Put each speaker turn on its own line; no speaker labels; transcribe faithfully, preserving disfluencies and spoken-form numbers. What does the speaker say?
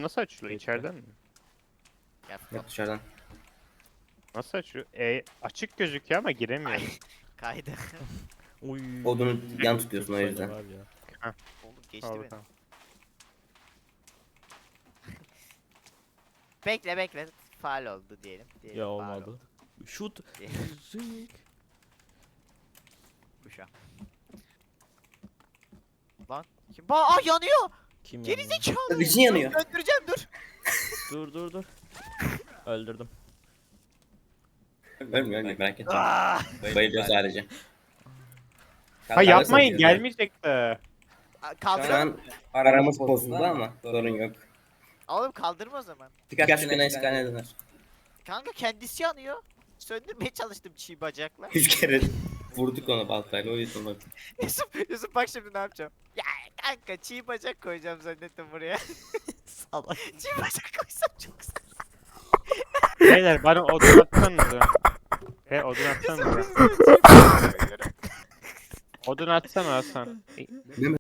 nasıl açılıyor? İçeriden mi?
Gel
Yok
Furkan.
dışarıdan.
Nasıl açıyor? E, açık gözüküyor ama
Ay,
giremiyorum.
kaydı.
Uy.
Odunu yan tutuyorsun o
Sayıda
yüzden.
var ya.
Oğlum geçti
Al
beni.
bakalım.
Bekle bekle. Faal oldu diyelim. diyelim
Ya
faul
olmadı.
oldu.
Şut.
Diyelim.
Zing.
Kuşa. Lan. Kim? Ba Aa yanıyor.
Kim
Geri
yandı?
zekalı.
Bizim yanıyor.
Öldüreceğim dur.
Dur dur dur. Öldürdüm.
Ölmüyor ölmüyor merak etme.
Aa!
Bayılıyor sadece.
Ha yapmayın gelmeyecek de.
Aa,
Şu
Kaldır.
an aramız bozuldu ama sorun yok.
Oğlum kaldırma o zaman.
Birkaç güne eskane döner.
Kanka kendisi yanıyor. Söndürmeye çalıştım çiğ bacakla.
Üç kere vurduk onu baltayla o yüzden bak.
Yusuf, Yusuf bak şimdi ne yapacağım. Ya kanka çiğ bacak koyacağım zannettim buraya.
Salak.
Çiğ bacak koysam çok güzel.
Beyler bana odun atsanıza. He odun atsanıza.
Çiğ bacak koyuyorum.
Odun atsana Hasan.
Ne